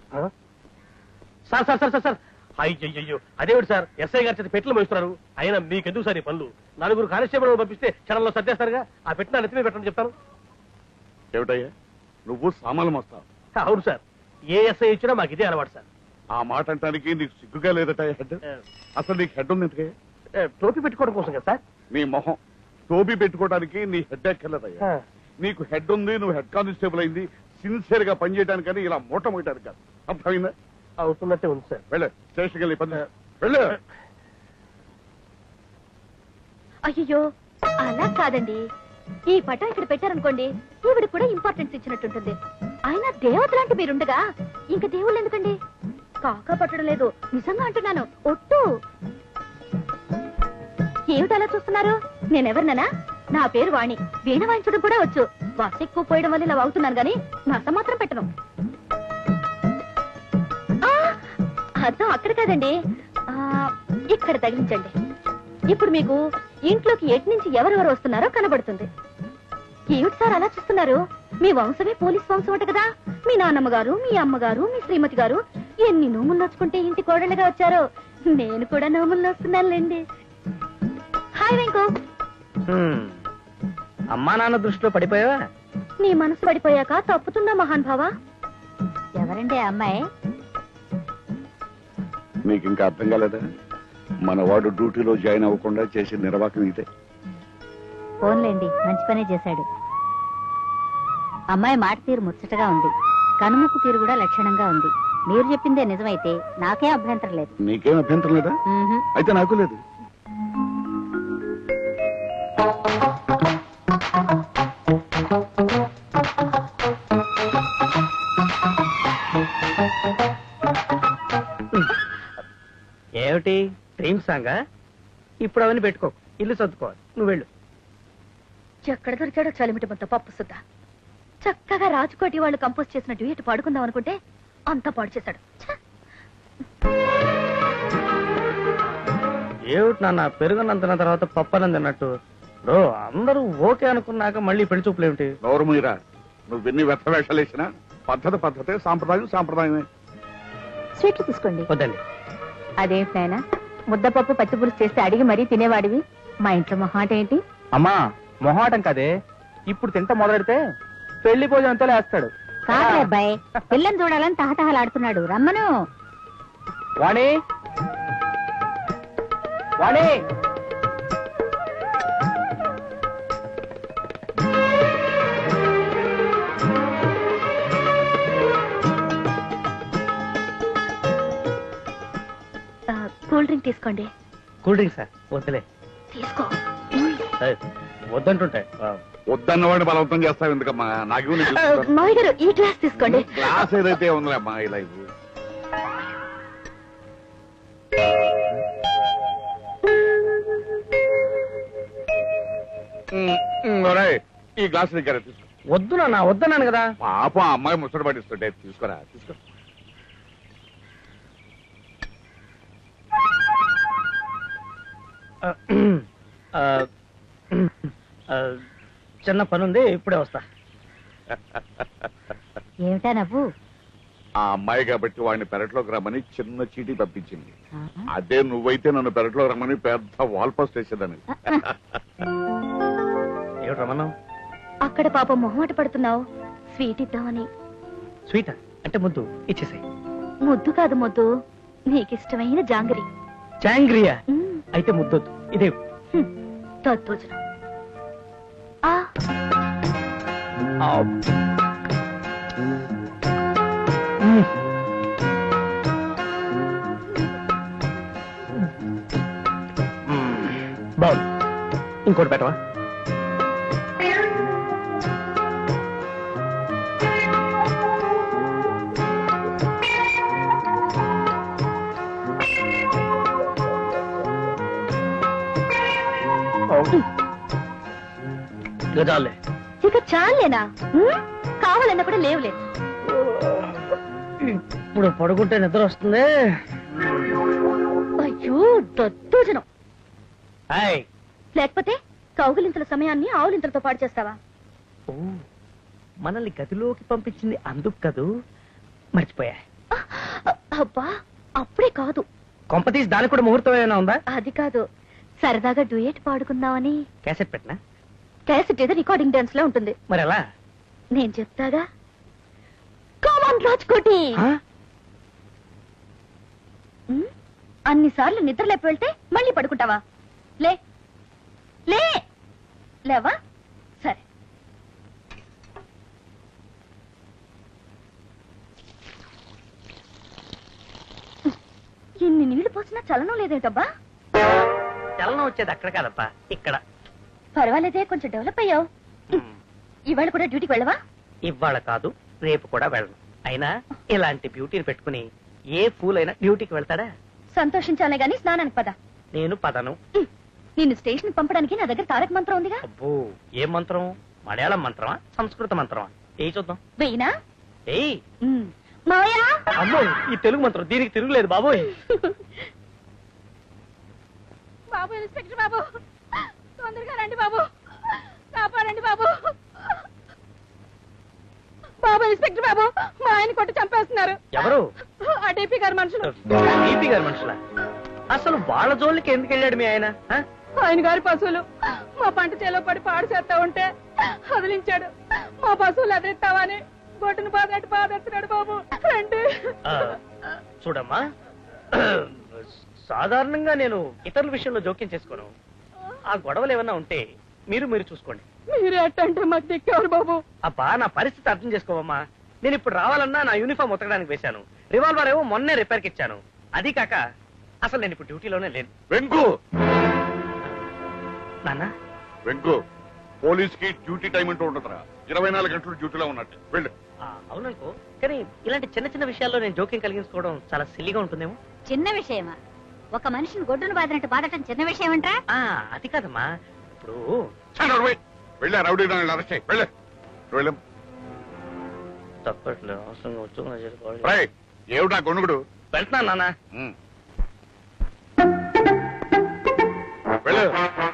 Sir sir sir sir sir అయ్యో అదేమిటి sir SI గారి చేత పెట్టెలు మోస్తున్నారు. అయినా మీకెందుకు సార్ ఈ పనులు? 4 కానిస్టేబుల్ పంపిస్తే క్షణంలో సర్దేస్తారుగా. ఆ పెట్టిన నెత్తిమీ పెట్టండి చెప్తాను. ఏమిటయ్యా నువ్వు సామాన్లు మోస్తావు? అవును సార్, ఏ ఎస్ఐ ఇచ్చినా మాకు ఇదే అలవాటు సార్. ఆ మాట అంటానికి నీకు సిగ్గుగా లేదట హెడ్? అసలు నీకు హెడ్ ఉంది ఎందుకే? టోపీ పెట్టుకోవడం కోసం కదా సార్. నీ మొహం టోపీ పెట్టుకోవడానికి నీ హెడ్ ఎక్కర్లేదయ్యా. నీకు హెడ్ ఉంది, నువ్వు హెడ్ కానిస్టేబుల్ అయింది సిన్సియర్ గా పనిచేయడానికని ఇలా మూట మోయడానికి కాదు. అర్థమైందా? అవుతున్నట్టే ఉంది సార్. వెళ్ళు స్టేషన్కి వెళ్ళి పని వెళ్ళు. అయ్యో అలా కాదండి, ఈ పటం ఇక్కడ పెట్టారనుకోండి ఈవిడ కూడా ఇంపార్టెన్స్ ఇచ్చినట్టుంటుంది. అయినా దేవత లాంటి మీరుండగా ఇంకా దేవుళ్ళు ఎందుకండి? కాకా పట్టడం లేదు, నిజంగా అంటున్నాను. ఒట్టు. ఏమిటి అలా చూస్తున్నారు? నేనెవరిననా? నా పేరు వాణి. వీణ వాయించడం కూడా వచ్చు. బస్ ఎక్కువ పోయడం వల్ల ఇలా అవుతున్నాను గాని నస మాత్రం పెట్టను. అర్థం అక్కడ కాదండి, ఇక్కడ తగిలించండి. ఇప్పుడు మీకు ఇంట్లోకి ఎటు నుంచి ఎవరెవరు వస్తున్నారో కనబడుతుంది. ఏమిటి సార్ అలా చూస్తున్నారు? మీ వంశమే పోలీస్ వంశం అంట కదా. మీ నాన్నమ్మ గారు, మీ అమ్మగారు, మీ శ్రీమతి గారు ఎన్ని నోములు నోచుకుంటే ఇంటి కోడళ్ళగా వచ్చారో. నేను కూడా నోములు నోస్తున్నానులేండి. హాయ్ వెంకు. అమ్మా నాన్న దృష్టిలో పడిపోయావా? నీ మనసు పడిపోయాక తప్పుతుందా మహాన్ భావా? ఎవరండి అమ్మాయి? నీకు ఇంకా అర్థం కాలేదా? మన వాడు డ్యూటీలో జాయిన్ అవ్వకుండా చేసే నిర్వాహకం ఇదే. ఫోన్లేండి, మంచి పనే చేశాడు. అమ్మాయి మాట తీరు ముచ్చటగా ఉంది, కనుముక్కు తీరు కూడా లక్షణంగా ఉంది. మీరు చెప్పిందే నిజమైతే నాకే అభ్యంతరం లేదు. నీకేం అభ్యంతరం లేదా? అయితే నాకు లేదు. ఏమిటి డ్రీమ్ సాంగా? ఇప్పుడు అవన్నీ పెట్టుకో, ఇల్లు సర్దుకోవాలి. నువ్వు వెళ్ళు. ఎక్కడ దొరికాడో చలిమిటి మొత్తం పప్పు సుద్ద. చక్కగా రాజకోటి వాళ్ళు కంపోజ్ చేసిన డ్యూయట్ పాడుకుందాం అనుకుంటే అంతా పాడు చేశాడు. ఏమిటి నాన్న పెరుగునంతన తర్వాత పప్పనం తిన్నట్టు? అందరూ ఓకే అనుకున్నాక మళ్ళీ పెళ్లి చూపులు ఏమిటి? గౌరవమీరా, నువ్వెన్ని వ్యర్థ వేషాలు వేసినా పద్ధతే, సాంప్రదాయమే. స్వీట్లు తీసుకోండి. వద్దండి. అదేంటి నాయనా, ముద్దపప్పు పచ్చి పులుసు చేస్తే అడిగి మరీ తినేవాడివి. మా ఇంట్లో మొహాట ఏంటి? అమ్మా మొహాటం కదే, ఇప్పుడు తింట మొదలెడితే పెళ్లి భోజనంతో లేస్తాడు. కాదే అబ్బాయి, పిల్లని చూడాలని తహతహలాడుతున్నాడు. రమ్మను. వాణి వాణి కూల్ డ్రింక్ తీసుకోండి. Cool drink sir? వద్దులే. తీసుకో. వద్దంటుంటాయి. వద్దన్నవాడిని బలవంతం చేస్తావు ఎందుకమ్మా? నాకు మావి గారు ఈ గ్లాస్ తీసుకోండి. గ్లాస్ ఏదైతే ఉందిలేమ్మా ఇలా ఇవ్వు. ఈ గ్లాస్ దగ్గర తీసుకో. వద్దు నాన్న, వద్దన్నాను కదా. పాపం అమ్మాయి ముచ్చట పడిస్తుంటే తీసుకోరా, తీసుకో. చిన్న పనుంది, ఇప్పుడే వస్తా. ఏమిటా నవ్వు? ఆ అమ్మాయి కాబట్టి వాడిని పెరట్లోకి రమ్మని చిన్న చీటీ పంపించింది. అదే నువ్వైతే నన్ను పెరట్లోకి రమ్మని పెద్ద వాల్ పోస్ట్ వేసేదాన్ని. ఏమిటి రమ్మన్నావు? అక్కడ పాపం మొహమాట పడుతున్నావు, స్వీట్ ఇద్దామని. స్వీట్ అంటే ముద్దు ఇచ్చేసాయి. ముద్దు కాదు ముద్దు, నీకిష్టమైన జాంగరి. జాంగ్రియా? అయితే ముద్దొద్దు, ఇదే తద్భోజనం. బాగుంది, ఇంకోటి పెట్టవా? చాలే. ఇక చాలేనా? కావాలన్నా కూడా లేవులే. ఇప్పుడు పడుకుంటే నిద్ర వస్తుంది. అయ్యో దద్దోజనం. లేకపోతే కౌగులింతల సమయాన్ని ఆవులింతలతో పాడు చేస్తావా? మనల్ని గదిలోకి పంపించింది అందుకు కదూ, మర్చిపోయా. అబ్బా అప్పుడే కాదు. కొంపతీసి దానికి కూడా ముహూర్తం ఏమైనా ఉందా? అది కాదు, సరదాగా డ్యూయట్ పాడుకుందామని. క్యాసెట్ పెట్టినా? క్యాసెట్ ఏదో రికార్డింగ్ డాన్స్ లో ఉంటుంది. మరి ఎలా? నేను చెప్తాగా. కామన్ రాజ్కోటి. అన్నిసార్లు నిద్ర లేపి వెళ్తే మళ్ళీ పడుకుంటావా? లే లే లేవా? సరే. ఎన్ని నీళ్లు పోసినా చలనం లేదేటబ్బా? చలనం వచ్చేది అక్కడ కాదప్పా, ఇక్కడ. పర్వాలేదే, కొంచెం డెవలప్ అయ్యావు. ఇవాళ కూడా డ్యూటీకి వెళ్ళవా? ఇవాళ కాదు, రేపు కూడా వెళ్ళను. అయినా ఇలాంటి బ్యూటీని పెట్టుకుని ఏ ఫూల్ అయినా డ్యూటీకి వెళ్తాడా? సంతోషించాలే గాని స్నానానికి పద. నేను పదను. నిన్ను స్టేషన్ పంపడానికి నా దగ్గర తారక మంత్రం ఉందిగా. అబ్బో, ఏ మంత్రం? మలయాళం మంత్రమా, సంస్కృత మంత్రమా? ఏ చూద్దాం. వెయ్యినా? ఏయ్ మాయా. అమ్మో, ఈ తెలుగు మంత్రం దీనికి తిరుగులేదు బాబోయ్. బాబు, ఇన్స్పెక్టర్ బాబు, తొందరగా రండి బాబు, కాపాడండి బాబు. బాబు, ఇన్స్పెక్టర్ బాబు, మా ఆయన కొట్టి చంపేస్తున్నారు. ఎవరు? ఆ డీపీ గారి మనుషులు. డీపీ గారి మనుషులా? అసలు వాళ్ళ జోలికి ఎందుకు వెళ్ళాడు మీ ఆయన? ఆయన గారి పశువులు మా పంట చేలో పడి పాడు చేస్తా ఉంటే వదిలించాడు. మా పశువులు ఎదురెత్తావని గొడ్డును బాధెత్తున్నాడు బాబు. రండి. చూడమ్మా, సాధారణంగా నేను ఇతరుల విషయంలో జోక్యం చేసుకోను. ఆ గొడవలు ఏమన్నా ఉంటే మీరు చూసుకోండి. మీరే అట్టంటే మాకు దిక్కేవారు బాబు. అబ్బా, నా పరిస్థితి అర్థం చేసుకోవమ్మా. నేను ఇప్పుడు రావాలన్నా నా యూనిఫామ్ ఉతకడానికి వేశాను. రివాల్వర్ ఏమో మొన్నే రిపేర్కి ఇచ్చాను. అది కాక అసలు నేను ఇప్పుడు డ్యూటీలోనే లేను. వెంకు, నాన్న. వెంకు, పోలీస్ కి డ్యూటీ టైం అంటూ ఉంటుందిరా. 24 గంటలు డ్యూటీలో ఉన్నట్టు వెళ్ళు. అవుననుకో, కానీ ఇలాంటి చిన్న చిన్న విషయాల్లో నేను జోక్యం కలిగించుకోవడం చాలా సిల్లిగా ఉంటుందేమో. చిన్న విషయమా? ఒక మనిషిని గొడ్డును బాధినట్టు బాధటం చిన్న విషయం అంటా? అది కాదమ్మా. ఇప్పుడు వెళ్ళా రౌడీ అరెస్ట్ చేయి. వెళ్ళు. తప్పట్లేదు, అవసరంగా వచ్చి ఏమిటా గొనుగుడు? వెళ్తున్నాను నాన్న. వెళ్ళు.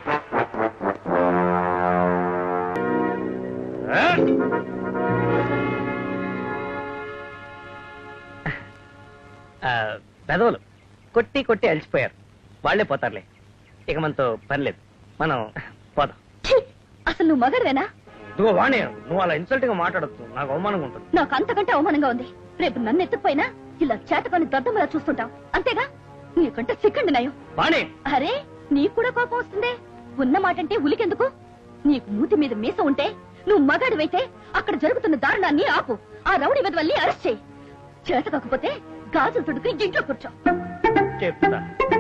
పెదవులు కొట్టి కొట్టి అలసిపోయారు. వాళ్లే పోతారులే, ఇక మనతో పనిలేదు. మనం పోదాం. అసలు నువ్వు మగడవేనా? ఇదిగో వాణి, నువ్వు అలా ఇన్సల్ట్ గా మాట్లాడద్దు, నాకు అవమానంగా ఉంటుంది. నాకు అంతకంటే అవమానంగా ఉంది. రేపు నన్ను ఎత్తుకుపోయినా ఇలా చేతకొని దద్దమ్మలా చూస్తుంటాం, అంతేగా? నీకంటే సిక్కండి నయం. వాణి, అరే, నీకు కూడా కోపం వస్తుందే? ఉన్న మాటంటే ఉలికెందుకు? నీకు మూతి మీద మీస ఉంటే, నువ్వు మగాడివైతే అక్కడ జరుగుతున్న దారుణాన్ని ఆపు. ఆ రౌడీ వెధవల్ని అరెస్ట్ చేయి. చేత కాకపోతే గాజులు తొడుకుని ఇంట్లో కూర్చో. చెప్తా.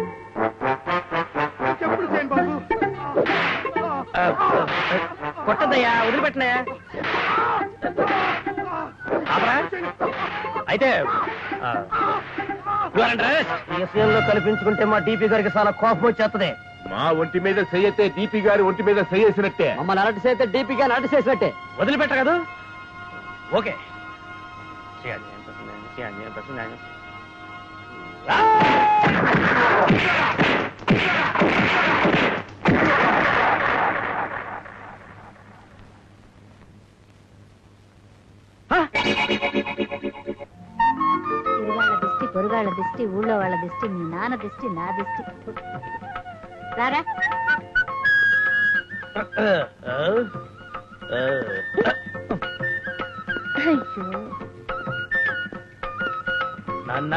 కొట్టదయ్యా, వదిలిపెట్టినాయా? అయితే విషయంలో కల్పించుకుంటే మా డీపీ గారికి చాలా కోపం వచ్చేస్తుంది. మా ఒంటి మీద సయ్యతే డీపీ గారి ఒంటి మీద సయ్యేసినట్టే. మమ్మల్ని అలర్ట్ చేస్తే డీపీ గారిని అలర్ట్ చేసినట్టే. వదిలిపెట్ట కదా? ఓకే. తిరుగాళ్ళ దిష్టి, పొరుగాళ్ళ దిష్టి, ఊళ్ళో వాళ్ళ దిష్టి, మీ నాన్న దిష్టి, నా దిష్టి. రారా. నాన్న,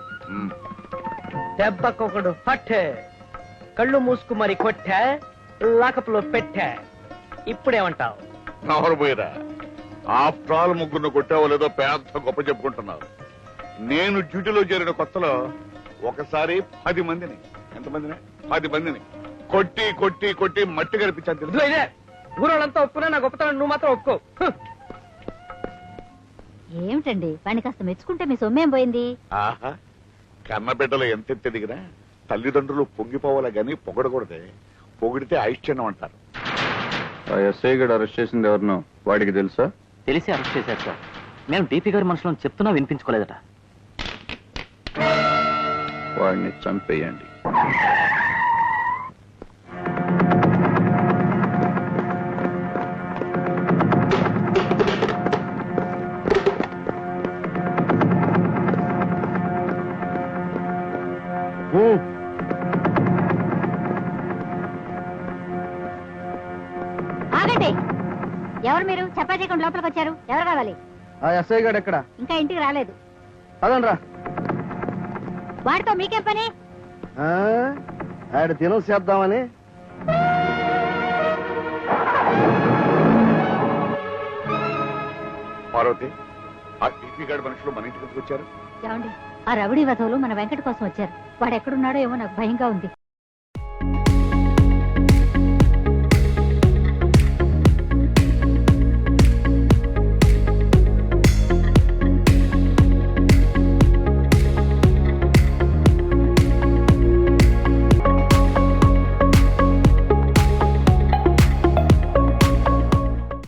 దెబ్బకొకడు పట్టే, కళ్ళు మూసుకు మరి కొట్టా, లాకప్లో పెట్టా. ఇప్పుడేమంటావు? నవరు పోయిరా. ఆఫ్టర్ ఆల్ ముగ్గురు కొట్టావో లేదో పెద్ద గొప్ప చెప్పుకుంటున్నారు. నేను డ్యూటీలో చేరిన కొత్తలో ఒకసారి 10 మందిని, ఎంతమందిని? 10 మందిని కొట్టి కొట్టి కొట్టి మట్టి కనిపించాను తెలుసు. ఇదే ఊరోళ్ళంతా ఒప్పుకున్నా నా గొప్పతనం నువ్వు మాత్రం ఒప్పుకో. ఏమిటండి, వాడిని కాస్త మెచ్చుకుంటే మీ సొమ్మేం పోయింది? ఆహా, కన్న బిడ్డలు ఎంత ఎదిగినా తల్లిదండ్రులు పొంగిపోవాలా గాని పొగడకూడదే. పొగిడితే ఐశ్చర్యం అంటారు. ఎస్ఐ గడు అరెస్ట్ చేసింది ఎవరినో వాడికి తెలుసా? తెలిసి అరెస్ట్ చేశారు సార్. మేము డీపీ గారి మనుషులను చెప్తున్నా వినిపించుకోలేదట. వాడిని చంపేయండి. చేయకుండా లోపలికి వచ్చారు? ఎవరు కావాలి? ఆ ఎస్ఐ గారు ఎక్కడ? ఇంకా ఇంటికి రాలేదు. పదండ్రా. వాడితో మీకేం పని? ఆడ దినం చేద్దామని. పార్వతి, ఆ టీపీ గారి మనుషులు మన ఇంటికి వచ్చారు. ఏమండి, ఆ రవిడి వధవులు మన వెంకట కోసం వచ్చారు. వాడు ఎక్కడున్నాడో ఏమో నాకు భయంగా ఉంది.